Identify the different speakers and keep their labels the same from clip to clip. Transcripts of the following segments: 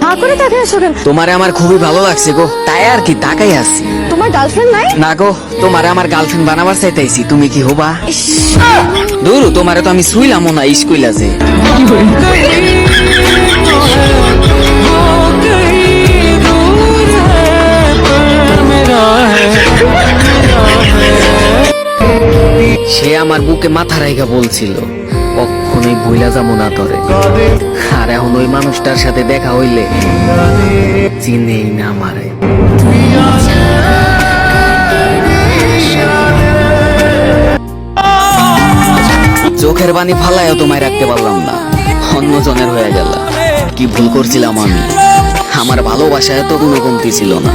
Speaker 1: হা করে তাকিয়ে আছো কেন?
Speaker 2: তোমারে আমার খুবই ভালো লাগছে গো, তাই আর কি তাকাই আছি।
Speaker 1: তোমার গার্লফ্রেন্ড নাই?
Speaker 2: না গো, তোমারে আমার গার্লফ্রেন্ড বানাবার চাইতেছি, তুমি কি হবা? দূর, তোমারে তো আমি শুইলামও না স্কুইলা যে। সে আমার বুকে মাথা রাইগা বলছিল কখনোই ভুলা যাবো না তরে। আর এখন ওই মানুষটার সাথে দেখা হইলে চিনেই না আমারে। চোখের পানি ফালায়ও তোমায় রাখতে পারলাম না, অন্যজনের হয়ে গেল। কি ভুল করছিলাম আমি? আমার ভালোবাসায় তো কোনো কমতি ছিল না।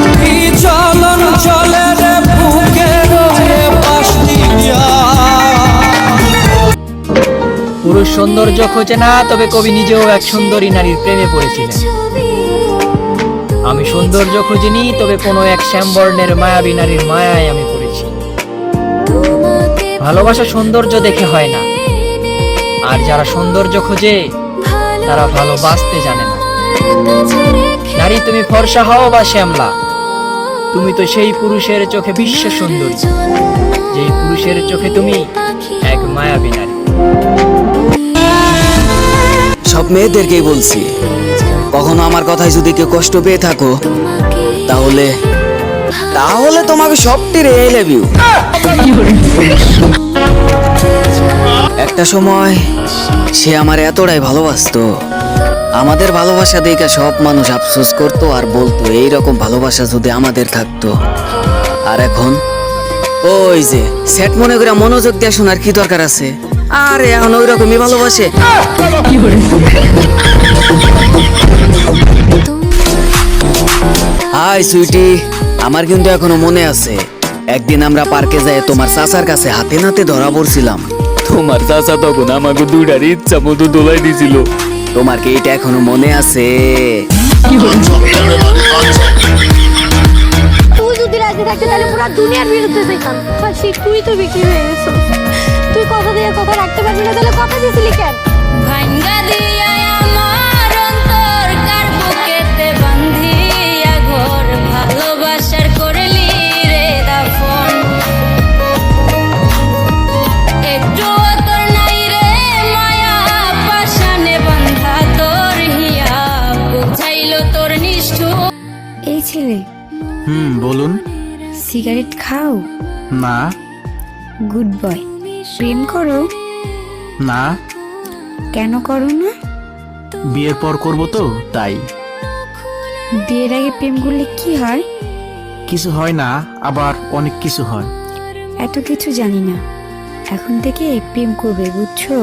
Speaker 3: পুরুষ সৌন্দর্য খোঁজে না, তবে কবি নিজেও এক সুন্দরী নারীর প্রেমে পড়েছিলেন। আমি সৌন্দর্য খুঁজিনি, তবে কোনো এক শ্যামবর্ণের মায়াবী নারীর মায়ায় আমি পড়েছি। ভালোবাসা সৌন্দর্য দেখে হয় না, আর যারা সৌন্দর্য খোঁজে তারা ভালোবাসতে জানে না। নারী, তুমি ফর্সা হও বা শ্যামলা, তুমি তো সেই পুরুষের চোখে বিশ্ব সুন্দরী, যেই পুরুষের চোখে তুমি এক মায়াবী নারী।
Speaker 2: সব মেয়েদেরকেই বলছি, কখনো আমার কথায় যদি কেউ কষ্ট পেয়ে থাকো, তাহলে তাহলে তোমাকে সবটির আই লাভ ইউ। একটা সময় সে আমার এতটাই ভালোবাসতো, আমাদের ভালোবাসা দেখে সব মানুষ আফসোস করতো আর বলতো এইরকম ভালোবাসা যদি আমাদের থাকতো। আর এখন ওই যে সেট মনে করে মনোযোগ দিয়ে শোনার কি দরকার আছে? আরে এখন ওই রকমই ভালোবাসে। হাই সুইটি, আমার কিন্তু এখনো মনে আছে একদিন আমরা পার্কে যাই তোমার চাচার কাছে হাতে নাতে ধরা পড়ছিলাম। তোমার চাচা তখন আমাকে দুইটার ইচ্ছা মতো দোলাই দিছিল। তোমার কি এটা এখনো মনে আছে?
Speaker 1: তুই যদি রাজি থাকতে তাহলে পুরো দুনিয়ার বিরুদ্ধে যেতাম। হাসি, তুই তো বিক্রি হয়ে গেছো। তুই কথা দিয়ে কথা রাখতে পারবি না, তাহলে কথা দিয়েছিলি কেন?
Speaker 4: ভাঙ্গা দিয়া আমার অন্তর কার বুকেতে বান্ধিয়া ঘর ভালোবাসার করলি রে দাফন। একটু তোর নাই রে মায়া পাশানে বান্ধা তোর হিয়া বুঝাইলো তোর নিষ্ঠুর।
Speaker 5: এই ছেলে,
Speaker 6: বলুন।
Speaker 5: সিগারেট খাও?
Speaker 6: না।
Speaker 5: Good boy. প্রেম করো?
Speaker 6: না।
Speaker 5: কেন করো না?
Speaker 6: বিয়ের পর করব তো, তাই।
Speaker 5: বিয়ের আগে প্রেম করলে কি হয়?
Speaker 6: কিছু হয় না, আবার অনেক কিছু হয়।
Speaker 5: এত কিছু জানি না, এখন থেকে প্রেম করবে, বুঝছো?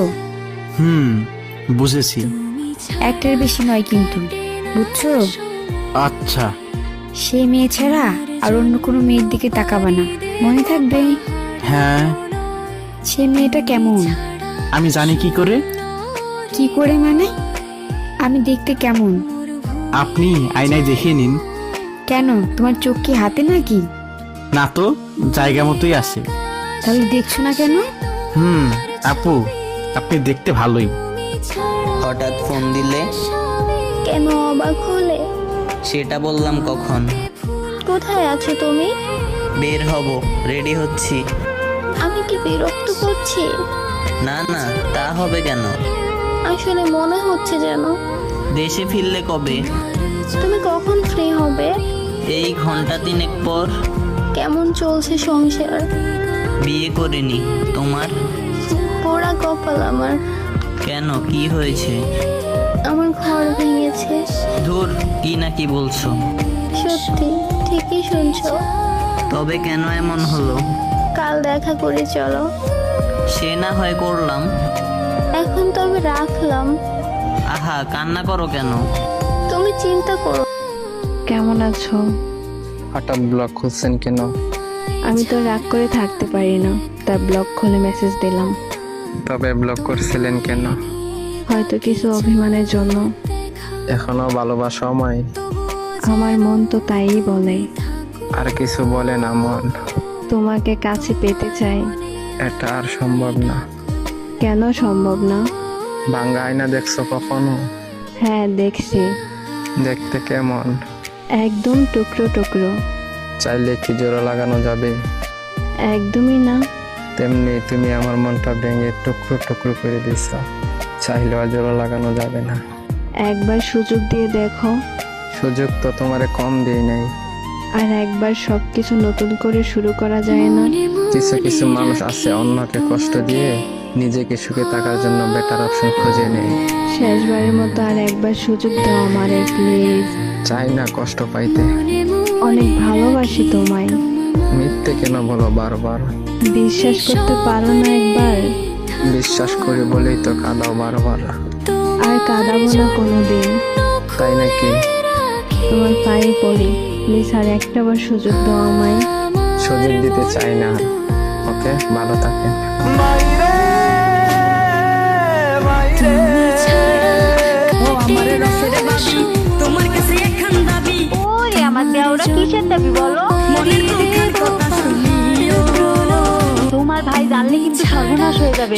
Speaker 6: বুঝেছি।
Speaker 5: একটার বেশি নয় কিন্তু, বুঝছো?
Speaker 6: আচ্ছা।
Speaker 5: সে মেয়ে ছাড়া আর অন্য কোনো মেয়ের দিকে তাকাবা না, মনে থাকবে?
Speaker 6: হ্যাঁ।
Speaker 5: সে মেয়েটা কেমন?
Speaker 6: আমি জানি কি করে।
Speaker 5: কি করে মানে? আমি দেখতে কেমন?
Speaker 6: আপনি আয়নায় দেখে নিন।
Speaker 5: কেন, তোমার চোখ কি হাতে নাকি?
Speaker 6: না তো, জায়গা মতোই আছে।
Speaker 5: তাহলে দেখছো না কেন?
Speaker 6: আপু, আপনি দেখতে ভালোই।
Speaker 7: হঠাৎ ফোন দিলে?
Speaker 1: কেন অবাক হলে?
Speaker 7: সেটা বললাম কখন।
Speaker 1: কোথায় আছো তুমি?
Speaker 7: বের হব, রেডি হচ্ছি।
Speaker 1: আমি কি বিরক্ত করছি?
Speaker 7: না না, তা হবে কেন?
Speaker 1: আসলে মনে হচ্ছে যেন।
Speaker 7: দেশে ফিরলে কবে?
Speaker 1: তুমি কখন ফ্রি হবে?
Speaker 7: এই ঘন্টা তিনেক পর।
Speaker 1: কেমন চলছে সংসার?
Speaker 7: বিয়ে করিনি, তোমার?
Speaker 1: পোড়া কপাল আমার।
Speaker 7: কেন, কি হয়েছে?
Speaker 1: আমার ঘর ভেঙেছে।
Speaker 7: ধুর, কি না কি বলছো?
Speaker 1: সত্যি, ঠিকই শুনছো।
Speaker 7: তবে কেন এমন হলো?
Speaker 1: কাল দেখা করে চলো।
Speaker 7: সে না হয় করলাম।
Speaker 1: এখন তবে রাখলাম।
Speaker 7: আহা, কান্না করো কেন?
Speaker 1: তুমি চিন্তা করো।
Speaker 8: কেমন আছো?
Speaker 9: হঠাৎ ব্লগ খুলছেন কেন?
Speaker 8: আমি তো রাগ করে থাকতে পারি না, তাই ব্লগ খুলে মেসেজ দিলাম।
Speaker 9: তবে ব্লগ করছিলেন কেন?
Speaker 8: হয়তো কিছু অভিমানের জন্য।
Speaker 9: এখনো ভালোবাসা আমায়?
Speaker 8: আমার মন তো তাই বলে।
Speaker 9: আর কিছু বলে না মন?
Speaker 8: তোমাকে কাছে পেতে চাই।
Speaker 9: এটা আর সম্ভব না।
Speaker 8: কেন সম্ভব না?
Speaker 9: ভাঙ্গা আয়না দেখছো কখনো?
Speaker 8: হ্যাঁ, দেখছি।
Speaker 9: দেখতে কেমন?
Speaker 8: একদম টুকরো টুকরো।
Speaker 9: চাইলে কি জোড়া লাগানো যাবে?
Speaker 8: একদমই না।
Speaker 9: তেমনি তুমি আমার মনটা ভেঙে টুকরো টুকরো করে দিছ, চাইলেও আর জোড়া লাগানো যাবে না।
Speaker 8: একবার সুযোগ দিয়ে দেখো।
Speaker 9: সুযোগ তো তোমারে কম দিই নাই।
Speaker 8: আর একবার সবকিছু নতুন করে শুরু করা যায় না?
Speaker 9: কিছু কিছু মানুষ আছে অন্যকে কষ্ট দিয়ে নিজেকে সুখে থাকার জন্য বেটার অপশন খুঁজে নেয়।
Speaker 8: শেষবারের মতো আর একবার সুযোগ দাও আমারে প্লিজ।
Speaker 9: চাই না কষ্ট পাইতে।
Speaker 8: অনেক ভালোবাসি তোমায়।
Speaker 9: মিথ্যে কেন বলো বারবার?
Speaker 8: বিশ্বাস করতে পারো না একবার?
Speaker 9: বিশ্বাস করি বলেই তো কাঁদাও বারবার।
Speaker 8: আর কাঁদাবো না কোনোদিন।
Speaker 9: তাই নাকি?
Speaker 8: তোমার পায়ে পড়ি, প্লিজ আর একটাবার সুযোগ দাও আমায়।
Speaker 9: সুযোগ দিতে চাই না। ওকে, ভালো থাকেন।
Speaker 1: ওরে আমার দেওরা কিসের দাবি বলো? তোমার ভাই জানলে কিন্তু সর্বনাশ হয়ে যাবে।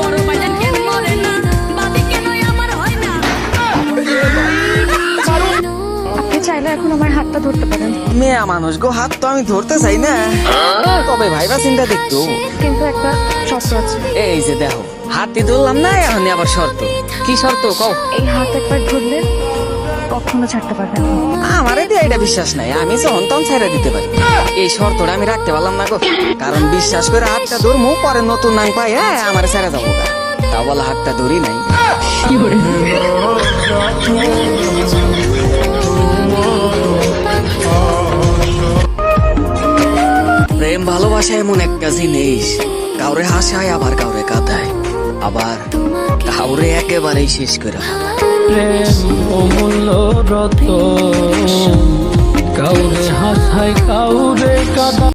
Speaker 5: আপনি চাইলে এখন আমার হাতটা ধরতে পারেন,
Speaker 2: মেয়া মানুষ গো, হাত তো আমি ধরতে চাই না, তবে ভাইবা চিন্তা দেখতো।
Speaker 8: কিন্তু একটা শর্ত আছে।
Speaker 2: এই যে দেখো, হাতই ধরলাম না, এখন আবার শর্ত। কি শর্ত কও?
Speaker 8: এই হাত একবার ধরলে কখনো ছাড়তে পারবেন না।
Speaker 2: আমার এটা বিশ্বাস নাই, আমি যখন তখন ছেড়ে দিতে পারি। এই শর্তটা আমি রাখতে পারলাম না গো, কারণ বিশ্বাস করে হাতটা ধরমু, পরে নতুন নাং পাই আমার ছেড়ে যাবো গা। তা বলে হাতটা ধরি নাই। প্রেম ভালোবাসা এমন একটা জিনিস, কাউরে হাসায় আবার কাউরে কাঁদায়, আবার কাউরে একেবারেই শেষ করে ফেলায়।
Speaker 3: প্রেম অমূল্য রতন, কাউরে হাসায় কাউরে কাঁদা।